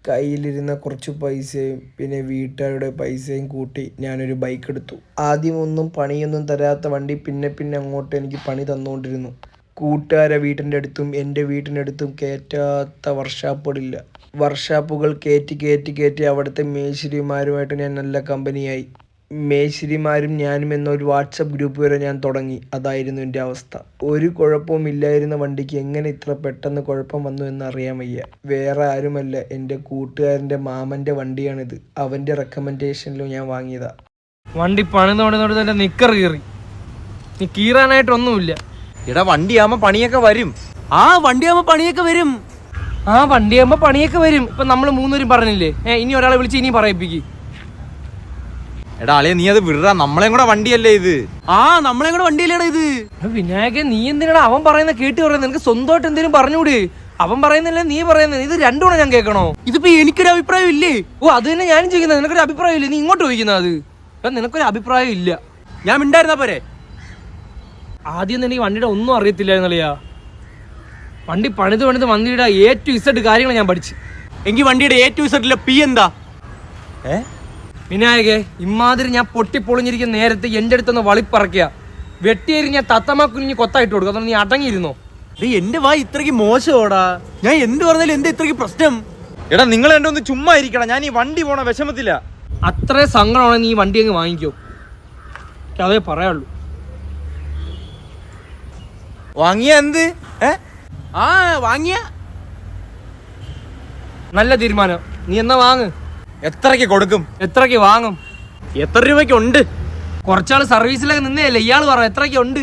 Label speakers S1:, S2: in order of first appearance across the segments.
S1: കയ്യിലിരുന്ന കുറച്ച് പൈസയും പിന്നെ വീട്ടുകാരുടെ പൈസയും കൂട്ടി ഞാനൊരു ബൈക്ക് എടുത്തു. ആദ്യമൊന്നും പണിയൊന്നും തരാത്ത വണ്ടി പിന്നെ അങ്ങോട്ട് എനിക്ക് പണി തന്നുകൊണ്ടിരുന്നു. കൂട്ടുകാരെ വീട്ടിൻ്റെ അടുത്തും എൻ്റെ വീട്ടിൻ്റെ അടുത്തും കയറ്റാത്ത വർക്ക്ഷോപ്പുകളില്ല. വർക്ക്ഷോപ്പുകൾ കയറ്റി അവിടുത്തെ മേശിരിമാരുമായിട്ട് ഞാൻ നല്ല കമ്പനിയായി. മേശിരിമാരും ഞാനും എന്നൊരു വാട്സപ്പ് ഗ്രൂപ്പ് വരെ ഞാൻ തുടങ്ങി. അതായിരുന്നു എൻ്റെ അവസ്ഥ. ഒരു കുഴപ്പവും ഇല്ലായിരുന്ന വണ്ടിക്ക് എങ്ങനെ ഇത്ര പെട്ടെന്ന് കുഴപ്പം വന്നു എന്ന് അറിയാൻ വയ്യ. വേറെ ആരുമല്ല, എൻ്റെ കൂട്ടുകാരൻ്റെ മാമൻ്റെ വണ്ടിയാണിത്. അവൻ്റെ റെക്കമെൻഡേഷനിലും ഞാൻ വാങ്ങിയതാ.
S2: വണ്ടി പണിതോടെ നിക്കർ കീറി. നീ കീറാനായിട്ടൊന്നുമില്ല.
S3: എടാ വണ്ടിയാകുമ്പോ പണിയൊക്കെ വരും. വണ്ടിയാകുമ്പോ പണിയൊക്കെ വരും.
S2: ഇപ്പൊ നമ്മള് മൂന്നുപേരും പറഞ്ഞില്ലേ, ഇനി ഒരാളെ വിളിച്ച് ഇനി പറയിപ്പിക്ക്.
S3: എടാ അളിയ നീ അത് വിടാ, നമ്മളെയും കൂടെ വണ്ടിയല്ലേ ഇത്. നമ്മളെയും കൂടെ വണ്ടിയല്ലേടാ ഇത്.
S2: വിനായകൻ, നീ എന്തിനാണ് അവൻ പറയുന്ന കേട്ട് പറയുന്നത്? നിനക്ക് സ്വന്തമായിട്ട് എന്തെങ്കിലും പറഞ്ഞൂടെ? അവൻ പറയുന്നില്ല, നീ പറയുന്നത്, ഇത് രണ്ടും ഞാൻ കേൾക്കണോ?
S3: ഇതിപ്പോ എനിക്കൊരു അഭിപ്രായം ഇല്ലേ?
S2: അത് തന്നെ ഞാനും ചോദിക്കുന്നത്. നിനക്കൊരു അഭിപ്രായം ഇല്ലേ? നീ ഇങ്ങോട്ട് ചോദിക്കുന്നത്. അത് നിനക്കൊരു അഭിപ്രായം ഇല്ല.
S3: ഞാൻ മിണ്ടായിരുന്നാ പോരെ?
S2: ആദ്യം തന്നെ ഈ വണ്ടിയുടെ ഒന്നും അറിയത്തില്ലായിരുന്നല്ലയാ. വണ്ടി പണിത് വണ്ടിയുടെ A to Z കാര്യങ്ങൾ ഞാൻ പഠിച്ചു.
S3: എങ്കിൽ വണ്ടിയുടെ A to Z പി എന്താ?
S2: വിനായകെ, ഇമാതിരി ഞാൻ പൊട്ടിപ്പൊളിഞ്ഞിരിക്കുന്ന നേരത്തെ എൻ്റെ അടുത്തൊന്ന് വളിപ്പറക്കുക. വെട്ടിയേരി ഞാൻ തത്തമ്മ കുഞ്ഞ് കൊത്തായിട്ട് കൊടുക്കും. അതൊന്നും നീ അടങ്ങിയിരുന്നോ?
S3: എന്റെ വായി ഇത്രയ്ക്ക് മോശമോടാ. ഞാൻ എന്ത് പറഞ്ഞാലും എന്താ ഇത്രയ്ക്ക് പ്രശ്നം? എടാ നിങ്ങൾ എന്റെ ഒന്ന് ചുമ്മാ ഇരിക്കണം. ഞാൻ ഈ വണ്ടി പോണ വിഷമത്തില്ല.
S2: അത്രേ സങ്കടമാണ് നീ വണ്ടി അങ്ങ് വാങ്ങിക്കോ. അതേ പറയാനുള്ളൂ.
S3: വാങ്ങിയ എന്ത്? വാങ്ങിയ
S2: നല്ല തീരുമാനം. നീ എന്നാ വാങ്ങ്.
S3: എത്രയ്ക്ക് കൊടുക്കും?
S2: എത്രയ്ക്ക് വാങ്ങും?
S3: എത്ര രൂപയ്ക്ക് ഉണ്ട്?
S2: കുറച്ചാള് സർവീസിലൊക്കെ നിന്നേയല്ലേ, ഇയാള് പറ എത്രയ്ക്ക് ഉണ്ട്?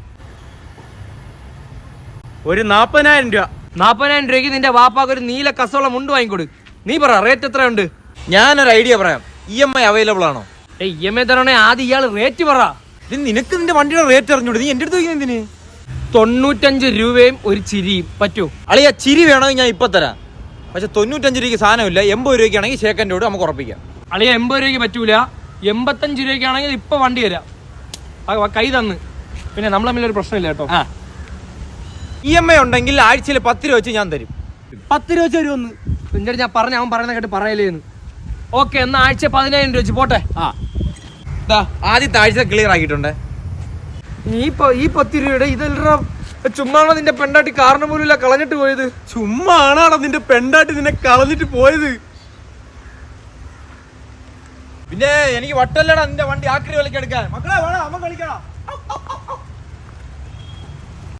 S3: ഒരു 40,000 രൂപ.
S2: 40,000 രൂപയ്ക്ക് നിന്റെ വാപ്പാക്ക് ഒരു നീല കസോളം മുണ്ട് വാങ്ങിക്കൊടു. നീ പറ റേറ്റ് എത്രയുണ്ട്?
S3: ഞാനൊരു ഐഡിയ പറയാം. EMI അവൈലബിൾ ആണോ?
S2: EMI തരണേ, ആദ്യം ഇയാള് റേറ്റ് പറ.
S3: നിനക്ക് നിന്റെ വണ്ടിയുടെ റേറ്റ് അറിഞ്ഞൂടെ? നീ എന്റെ അടുത്ത് ചോദിക്കുന്നതിന്?
S2: 95 രൂപയും ഒരു ചിരിയും പറ്റൂ?
S3: അളിയ ചിരി വേണമെങ്കിൽ ഞാൻ ഇപ്പൊ തരാം. പക്ഷെ 95 രൂപയ്ക്ക് സാധനമില്ല. 80 രൂപയ്ക്കാണെങ്കിൽ ഷേക്കൻ്റെ കൂടെ നമുക്ക് ഉറപ്പിക്കാം.
S2: അളിയ 80 രൂപയ്ക്ക് പറ്റൂല. 85 രൂപയ്ക്കാണെങ്കിൽ ഇപ്പൊ വണ്ടി തരാം. കൈ തന്ന്. പിന്നെ നമ്മൾ തമ്മിലൊരു പ്രശ്നമില്ല കേട്ടോ.
S3: EMI ഉണ്ടെങ്കിൽ ആഴ്ചയിൽ 10 രൂപ വെച്ച് ഞാൻ തരും.
S2: 10 രൂപ വെച്ച് തരുമെന്ന് നിന്റെ ഞാൻ പറഞ്ഞ, അവൻ പറയുന്ന കേട്ട് പറയലേന്ന്. ഓക്കെ, എന്നാ ആഴ്ച 15,000 രൂപ വെച്ച് പോട്ടെ.
S3: ആദ്യത്തെ ആഴ്ച ക്ലിയർ ആക്കിയിട്ടുണ്ട്.
S2: ഈ 10 രൂപയുടെ ഇതെല്ലാം ചുമ്മാണോ നിന്റെ പെണ്ടാട്ടി കാരണം പോലും ഇല്ല കളഞ്ഞിട്ട് പോയത്?
S3: ചുമ്മാ ആണാണോ നിന്റെ പെണ്ടാട്ടി നിന്നെ കളഞ്ഞിട്ട് പോയത്? പിന്നെ എനിക്ക് വട്ടല്ലടാ നിന്റെ വണ്ടി ആക്രി വിലക്ക് എടുക്കാൻ. മക്കളെ വേണം, അമ്മ കളിക്കണം.